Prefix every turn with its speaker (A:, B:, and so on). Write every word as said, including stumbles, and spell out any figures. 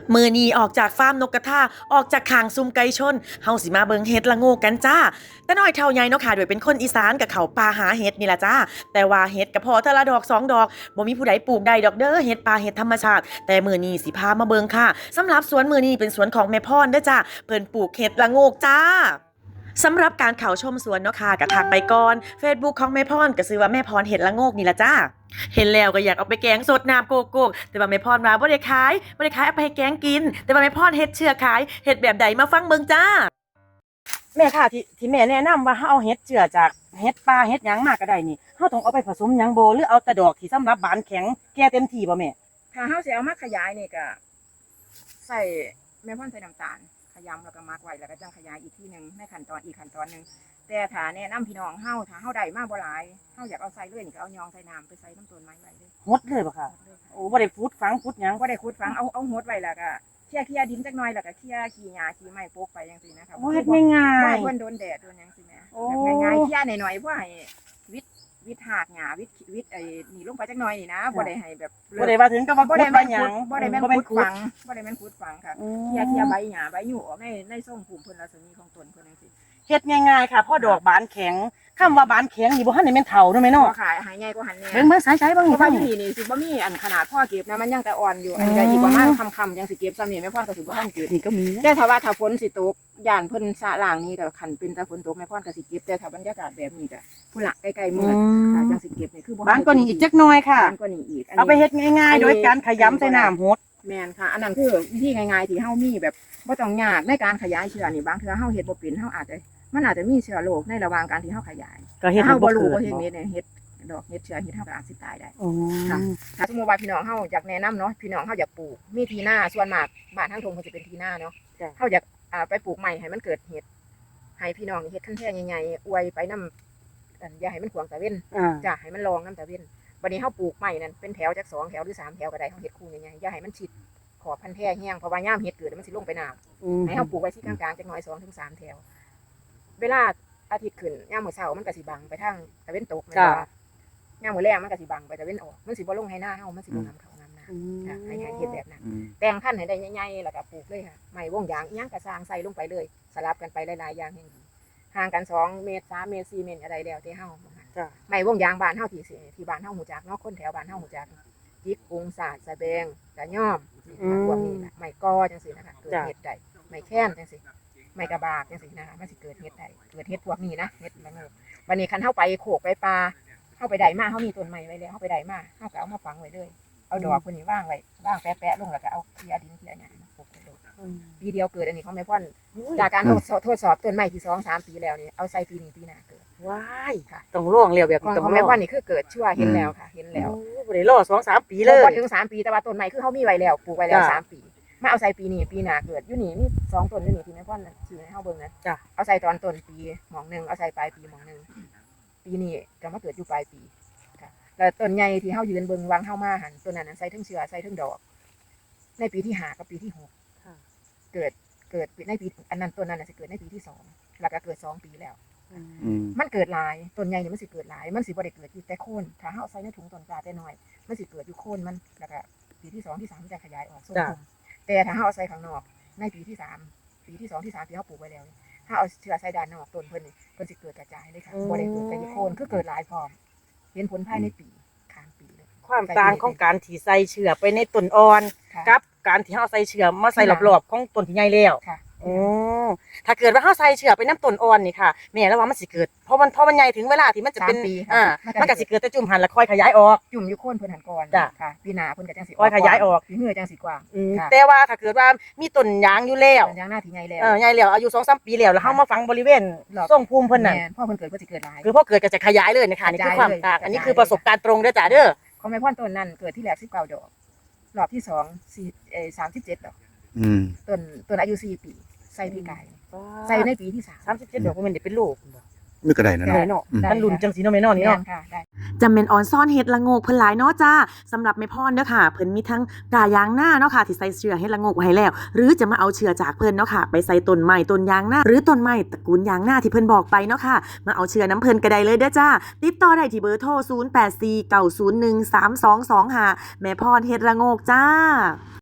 A: มือนีออกจากฟาร์มนกกระทาออกจากขางซุ่มไก่ชนเฮาสิมาเบิงเฮ็ดละโงกกันจ้าแต่น้อยเท่าใหญ่เนาะค่ะโดยเป็นคนอีสานกับเขาป่าหาเฮ็ดนี่ล่ะจ้าแต่ว่าเฮ็ดก็พอเทอละดอกสองดอกบ่มีผู้ใดปลูกได้ดอกเด้อเฮ็ดป่าเฮ็ดธรรมชาติแต่มื้อนี้สิพามาเบิงค่ะสำหรับสวนมื้อนี้เป็นสวนของแม่พรเด้อจ้าเพิ่นปลูกเฮ็ดละโงกจ้าสำหรับการเข้าชมสวนเนาะค่ะก็ทักไปก่อน Facebook ของแม่พรก็ชื่อว่าแม่พรเฮ็ดละโงกนี่ล่ะจ้าเห็นแล้วก็อยากเอาไปแกงสดน้ำโกโก้แต่ว่าแม่พรว่าบ่ได้ขายบ่ได้ขายเอาไปให้แกงกินแต่ว่าแม่พรเฮ็ดเชื่อขายเฮ็ดแบบใดมาฟังเบิ่งจ้า
B: แม่ค่ะที่ที่แม่แนะนำว่าเฮาเอาเฮ็ดเจือจากเฮ็ดป่าเฮ็ดหยังมาก็ได้นี่เฮาต้องเอาไปผสมหยังบ่หรือเอาแต่ดอกที่สำหรับบานแข็งแก่เต็มที่บ่แม่
C: ถ้าเฮาสิเอามาขยายนี่ก็ใส่แม่พ่นใส่น้ำตาลขยำแล้วก็มักไว้แล้วก็จังขยายอีกทีนึงในขั้นตอนอีกขั้นตอนนึงแต่ถ้าแนะนำพี่น้องเฮาถ้าเฮาได้มาบ่หลายเฮาอยากเอาใส่เลยนี่ก็เอายองใส่น้ำไปใส่น้ำต้นไม้ไว้เลย
B: หดเลยบ่ค่ะโอ้บ่ได้ฟุดฝังฟุดหยัง
C: บ่ได้ขุดฝังเอาเอาหดไว้แล้วก็เคลียร์เคลียร์ดินจักหน่อยแล้วก็เคลียร์ขี้หญ้าขี้ไม้โปกไปจังซี่นะคะ
B: โอ้เฮ็ดง่ายๆ
C: บ่ให้เพิ่นโดนแดดโดนหยังซี่แม่แบบง่ายๆเคลียร์หน่อยๆบ่ให้วิดวิดหากหญ้าวิดวิดไอ้นี่ลงไปจักหน่อยนี่นะบ่ได้ให้แบบ
B: บ่ได้ว่าถึงกับว่าบ่ได้แม่นหยัง
C: บ่ได้แม่นขุดฝังบ่ได้แม่นขุดฝังค่ะเคลียร์เคลียร์ใบหญ้าใบหยู่ออกในในทรงภูมิเพิ่นรัศมีของต้นเพิ่นจังซี่
B: เฮ็ดง่ายๆค่ะพอดอกบานแข็งคำว่าบานแข็งนี่บ่ทันได้แม่นเฒ่าเนาะแม่เนาะ
C: ขายหายใหญ่กว่าหันแน่
B: เบิ่งเบิ่งสายๆเบิ่ง
C: เพ
B: นี่
C: ราะว่าอยู่นี่นี่สิบ่มีอันขนาดพ่อเก็บนะมันยังแต่อ่อนอยู่อันนี้ก็อีกประมาณค่ำๆยังสิเก็บซ้ำนี่แม่พ่อก็สิบ่ทันเก็บ
B: นี่ก็มี
C: แต่ถ้าว่าถ้าฝนสิตกย่านเพิ่นสะล่างนี่ก็คันเป็นแต่ฝนตกแม่พ่อก็สิเก็บแต่ถ้าบรรยากาศแบบนี้ก็ผู้ละใกล้ๆมื้อค่ะจังสิเก็บนี่คือบ่
B: บานกว่านี้อีกจักหน่อยค่ะ
C: บานกว่านี้อีก
B: เอาไปเฮ็ดง่ายๆโดยการขยำใส่น้ำหด
C: แม่นค่ะอันนั้นคือวิธีง่ายๆที่เฮามีแบบบ่ต้องยากในการขยายเชื้อนี่บางเทื่อเฮาเฮ็ดบ่เป็นเฮาอาจจะมันอาจจะมีเชื้อโรคในระหว่างการที่เฮาขยาย
B: ก็เฮ็ด
C: เฮา
B: บ่
C: บ่รู้
B: รู้
C: ว่าเฮ็ดเม็ดเนี่ยเฮ็ดดอกเฮ็ดเชื้อเฮ็ดเฮาก็อาจสิตายได้
B: อ๋อ
C: ค่ะถ้าสมมุติว่าพี่น้องเฮาอยากแนะนำเนาะพี่น้องเฮาอยากปลูกมีที่นาส่วนมากบ้านทางทงเพิ่นสิเป็นที่นาเนาะเฮาอยากอ่าไปปลูกใหม่ให้มันเกิดเห็ดให้พี่น้องเฮ็ดคันแท้ใหญ่ๆอวยไปนำอันอย่าให้มันขวางตะเว้นจ้ะให้มันรองนำตะเว้นบัดนี้เฮาปลูกใหม่นั่นเป็นแถวจักสองแถวหรือสามแถวก็ได้เฮาเฮ็ดคู่ใหญ่ๆอย่าให้มันชิดขอบพันแท้แห้งเพราะว่ายามเฮ็ดเกิดมันสิลงไปน้ำให้เฮาปลูกไว้ที่กลางๆจักหน่อย สองถึงสาม แถวเวลาอาทิตย์ขึ้นยามมื้อเช้ามันก็สิบังไปทางตะเว้นตกแม่นบ่ยามมื้อแลงมันก็สิบังไปตะเว้นออกมันสิบ่ลงให้หน้าเฮามันสิบ่นำเขานำหน้าค่ะให้ให้เฮ็ดแบบนั้นแต่งพันธุ์ให้ได้ใหญ่ๆแล้วก็ปลูกเลยค่ะไม้วงยางอีหยังก็สร้างใส่ลงไปเลยสลับกันไปหลายๆอย่างให้ดีห่างกันสองเมตรสามเมตรสี่เมตรอะไรแล้วแต่เฮาจ้ะไม้วงยางบ้านเฮาที่ที่บ้านเฮาฮู้จักเนาะคนแถวบ้านเฮาฮู้จักจิกกุงสาดสะแบงกะย่อมพวกนี้น่ะไม้กอจังซี่นะคะเกิดเฮ็ดได้ไม้แค้นจังซี่ไม้กระบากจังซี่นะคะมันสิเกิดเฮ็ดได้เกิดเฮ็ดพวกนี้นะเฮ็ดละโงกวันนี้คันเฮาไปโขกไปปลาเฮาไปได้มาเฮามีต้นไม้ไว้แล้วเฮาไปได้มาเฮาก็เอามาฝังไว้เลยเอาดอกพวกนี้วางไว้วางแปะๆลงแล้วก็เอาเคลียร์ดินเคลียร์หยังมาปลูกไปเลยปีเดียวเกิดอันนี้ของแม่พ่อนจากการทดสอบต้นไม้ที่ สอง สาม ปีแล้วนี่เอาใส่ปีนี้ปีหน้าเกิด
B: ว้ายค่ะต้องร่วงแล้วแบบนี้
C: ของแม่พ่อนนี่คือเกิดชั่วเห็นแล้วค่ะเห็นแล้ว
B: บ่ได้รอ สอง สาม ปีเลย
C: บ่ถึงสามปีแต่ว่าต้นไม้คือเฮามีไว้แล้วปลูกไว้แล้วสามปีมาเอาใส่ปีนี้ปีหน้าเกิดอยู่นี่มีสองต้นอยู่นี่ที่แม่พ่อนชี้ให้เฮาเบิ่งนะจ้ะเอาใส่ตอนต้นปีหม่องนึงเอาใส่ปลายปีหม่องนึงปีนี้ก็มาเกิดอยู่ปลายปีค่ะแล้วต้นใหญ่ที่เฮายืนเบิ่งวางเฮามาหั่นต้นนั้นใส่ทั้งเชื้อใส่ทั้งดอกในปีที่ห้ากับปีที่หกค่ะเกิดเกิดในปีอันนั้นต้นนั้นน่ะสิเกิดในปีที่สองแล้วก็เกิดสองปีแล้วมันเกิดหลายต้นใหญ่นี่มันสิเกิดหลายมันสิบ่ได้เกิดอยู่แต่โคนถ้าเฮาใส่ในถุงต้นกล้าแต่น้อยมันสิเกิดอยู่โคนมันแล้วก็ปีที่สองที่สามมันจะขยายออกทรงกลมแต่ถ้าเฮาเอาใส่ข้างนอกในปีที่สามปีที่สองที่สามที่เฮาปลูกไว้แล้วถ้าเอาเชื้อใส่ด้านนอกต้นเพิ่นนี่เพิ่นสิเกิดกระจายเลยค่ะบ่ได้เกิดแต่อยู่โคนคือเกิดหลายพร้อมเห็นผลภายในปีข้ามปีเลย
B: ความต่างของการที่ใส่เชื้อไปในต้นอ่อนกับการที่เฮาใส่เชื้อมาใส่รอบๆของต้นที่ใหญ่แล้วอ๋อถ้าเกิดว่าเฮาใส่เชื้อไปน้ำต้นอ่อนนี่ค่ะแม่แล้วว่ามันสิเกิดเพราะมันเพราะมันใหญ่ถึงเวลาที่มันจะเป็นอ่ามันก็สิเกิดแต่จุ่มหันแล้วค่อยขยายออก
C: จุ่มอยู่โคนเพิ่นหันก่อนค่ะปีหน้าเพิ่นก็จังสิ
B: ค่อยขยายออก
C: ปีเหือจังสิกว้าง
B: แต่ว่าถ้าเกิดว่ามีต้นยางอยู่แล้ว
C: ต้นยางหน้าที่ใหญ่แล้ว
B: เออใหญ่แล้วอายุ สอง สาม ปีแล้วแล้วเฮามาฝังบริเวณทรงภูมิเพิ่นน่ะ
C: พอเพิ่นเกิดก็สิเกิดหลาย
B: คือพอเกิดก็จะขยายเลยนะคะนี่คือความต่างอันนี้คือประสบการณ์ตรงเด้อจ้ะเด้อ
C: ของแม่พ่อนต้นนั้นเกิดที่แรกสิบเก้าดอกรอบที่สองสี่เอ่อสามสิบเจ็ดดอก
D: อืม
C: ต้นต้นอายุสี่ปีใส่ปีกายใส่ในปีที่สาม
B: สามสิบเจ็ดดอกบ่แม่นได้เป็นลูกบ่
D: นึกก็ได้นะ
B: เนาะมันลุ่นจังสีเนาะแม่เนาะนี่เนาะ
A: จำเป็นออนซ่อนเฮ็ดละโงกเพิ่นหลายเนาะจ้าสำหรับแม่พรเด้อค่ะเพิ่นมีทั้งกายางหน้าเนาะค่ะที่ใส่เชื้อเฮ็ดละโงกไว้ให้แล้วหรือจะมาเอาเชื้อจากเพิ่นเนาะค่ะไปใส่ต้นไม้ต้นยางหน้าหรือต้นไม้ตระกูลยางหน้าที่เพิ่นบอกไปเนาะค่ะมาเอาเชื้อน้ำเพิ่นก็ได้เลยเด้อจ้าติดต่อได้ที่เบอร์โทรศูนย์ แปด สี่ เก้า ศูนย์ หนึ่ง สาม สอง สอง ห้าแม่พรเฮ็ดละโงกจ้า